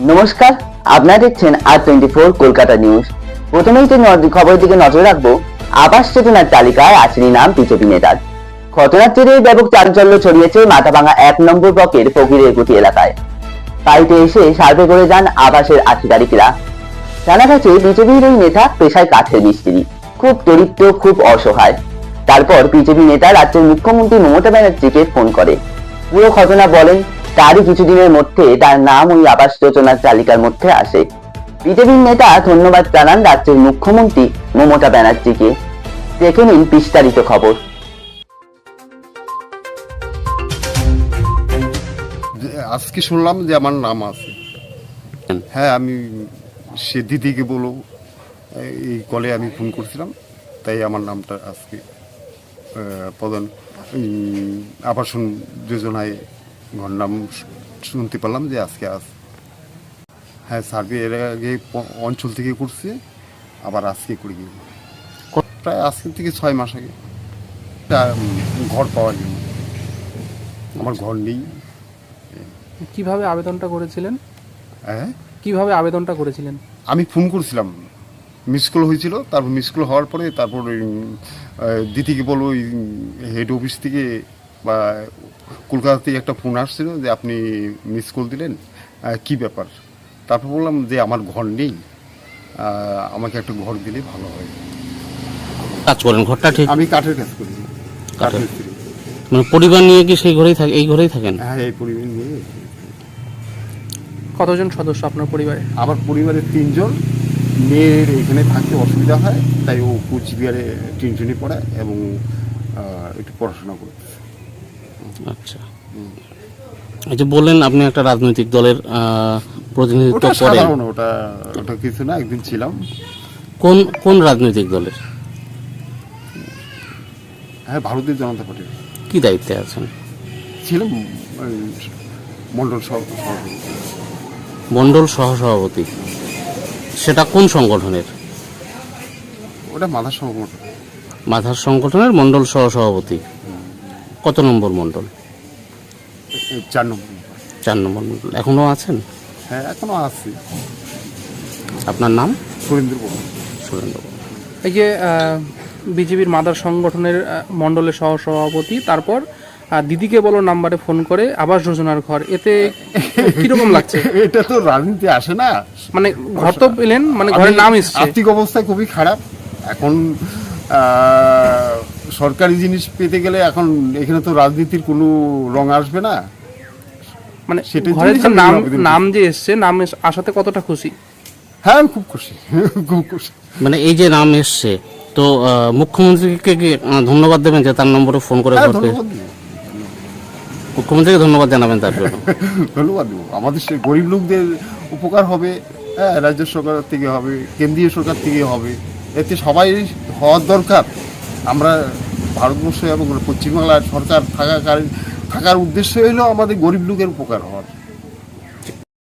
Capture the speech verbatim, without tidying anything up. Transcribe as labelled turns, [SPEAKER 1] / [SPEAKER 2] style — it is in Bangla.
[SPEAKER 1] নমস্কার, আপনারা দেখছেন আর টোয়েন্টি ফোর কলকাতা নিউজ। প্রথমেই যে খবরের দিকে নজর রাখবো, আবাস যোজনার তালিকায় আসেনি নাম বিজেপি নেতার। ঘটনার জেরে ব্যাপক চাঞ্চল্য ছড়িয়েছে মাথাভাঙা এক নম্বর ব্লকের ফকিরের গুটি এলাকায়। বাড়িতে এসে সার্ভে করে যান আবাসের আধিকারিকরা। জানা গেছে বিজেপির ওই নেতা পেশায় কাঠের মিস্ত্রি, খুব দরিদ্র, খুব অসহায়। তারপর বিজেপি নেতা রাজ্যের মুখ্যমন্ত্রী মমতা ব্যানার্জিকে ফোন করে। পুরো ঘটনা বলেন, তারই কিছুদিনের মধ্যে তার নাম ওই আবাস যোজনার তালিকার মধ্যে আসে। বিজেপির নেতা ধন্যবাদ জানান রাজ্যের মুখ্যমন্ত্রী মমতা ব্যানার্জিকে। দেখে নিন বিস্তারিত খবর।
[SPEAKER 2] আজকে শুনলাম যে আমার নাম আছে। হ্যাঁ, আমি সে দিদিকে বলো এই কলে আমি ফোন করছিলাম, তাই আমার নামটা আজকে প্রধান আবাসন যোজনায় ঘর নাম শুনতে পারলাম যে আজকে আস। হ্যাঁ, সার্ভে এর আগে অঞ্চল থেকে করছে, আবার আজকে করে গিয়ে প্রায় আজকে থেকে ছয় মাস আগে ঘর পাওয়ার জন্য। আমার ঘর নেই।
[SPEAKER 3] কিভাবে আবেদনটা করেছিলেন?
[SPEAKER 2] হ্যাঁ,
[SPEAKER 3] কিভাবে আবেদনটা করেছিলেন?
[SPEAKER 2] আমি ফোন করছিলাম, মিস কল হয়েছিল। তারপর মিস কল হওয়ার পরে তারপর দিদিকে বলো ওই হেড অফিস থেকে বা কলকাতা থেকে একটা ফোন আসছিল যে আপনি মিস কল দিলেন, কি ব্যাপার। তারপর বললাম যে আমার ঘর নেই, আমাকে একটা ঘর দিলে ভালো হয়।
[SPEAKER 4] কাজ করেন ঘরটা ঠিক?
[SPEAKER 2] আমি কাঠের কাজ করি। কাঠের
[SPEAKER 4] মানে পরিবার নিয়ে কি সেই ঘরেই থাকে, এই ঘরেই থাকেন?
[SPEAKER 2] হ্যাঁ, এই পরিবার নিয়ে।
[SPEAKER 3] কতজন সদস্য আপনার পরিবারে?
[SPEAKER 2] আমার পরিবারের তিনজন। মেয়ের এখানে থাকতে অসুবিধা হয়, তাই ও কুচবিহারে টিউশনি পড়ে এবং একটু পড়াশোনা করতেছে।
[SPEAKER 4] আচ্ছা, এই যে বললেন আপনি একটা রাজনৈতিক দলের প্রতিনিধিত্ব করেন।
[SPEAKER 2] ওটা ওটা কিছু না, একদিন ছিলাম।
[SPEAKER 4] কোন কোন রাজনৈতিক দলের?
[SPEAKER 2] হ্যাঁ, ভারতীয় জনতা পার্টির।
[SPEAKER 4] কি দায়িত্বে আছেন?
[SPEAKER 2] ছিলাম মন্ডল সভাপতি।
[SPEAKER 4] মন্ডল সহসভাপতি, সেটা কোন সংগঠনের?
[SPEAKER 2] ওটা মাথার সংগঠন।
[SPEAKER 4] মাথার সংগঠনের মন্ডল সহসভাপতি। কত নম্বর মন্ডল?
[SPEAKER 2] চার নম্বর।
[SPEAKER 4] চার নম্বর মন্ডল। এখনো আছেন?
[SPEAKER 2] হ্যাঁ, এখনো আছি।
[SPEAKER 4] আপনার নাম?
[SPEAKER 2] সুরেন্দ্র বর্মন।
[SPEAKER 4] সুরেন্দ্র বর্মন।
[SPEAKER 3] এই যে বিজেপির মাদার সংগঠনের মন্ডলের সহসভাপতি, তারপর দিদিকে বলো নাম্বারে ফোন করে আবাস যোজনার ঘর, এতে কিরকম লাগছে?
[SPEAKER 2] এটা তো রাজনীতি আসে না।
[SPEAKER 3] মানে ঘর তো পেলেন, মানে ঘরের নাম এসছে।
[SPEAKER 2] আর্থিক অবস্থা খুবই খারাপ এখন। সরকারি জিনিস পেতে গেলে এখন এখানে তো রাজনীতির কোনো রং আসবে না।
[SPEAKER 3] মানে ঘরের যে নাম নাম যে এসছে, নাম আসাতে কতটা খুশি?
[SPEAKER 2] হ্যাঁ, আমি খুব খুশি, খুব খুশি।
[SPEAKER 4] মানে এই যে নাম এসছে, তো মুখ্যমন্ত্রীকে কি ধন্যবাদ দেবেন যে তার নম্বরে ফোন করে? মুখ্যমন্ত্রীকে ধন্যবাদ জানাবেন তার জন্য?
[SPEAKER 2] ধন্যবাদ দেবো। আমাদের সেই গরিব লোকদের উপকার হবে। হ্যাঁ, রাজ্য সরকার থেকে হবে, কেন্দ্রীয় সরকার থেকে হবে, এতে সবাই হওয়ার দরকার। আমরা ভারতবর্ষ এবং পশ্চিমবাংলার সরকার থাকাকালীন থাকার উদ্দেশ্য হলো আমাদের গরিব লোকের উপকার হওয়ার।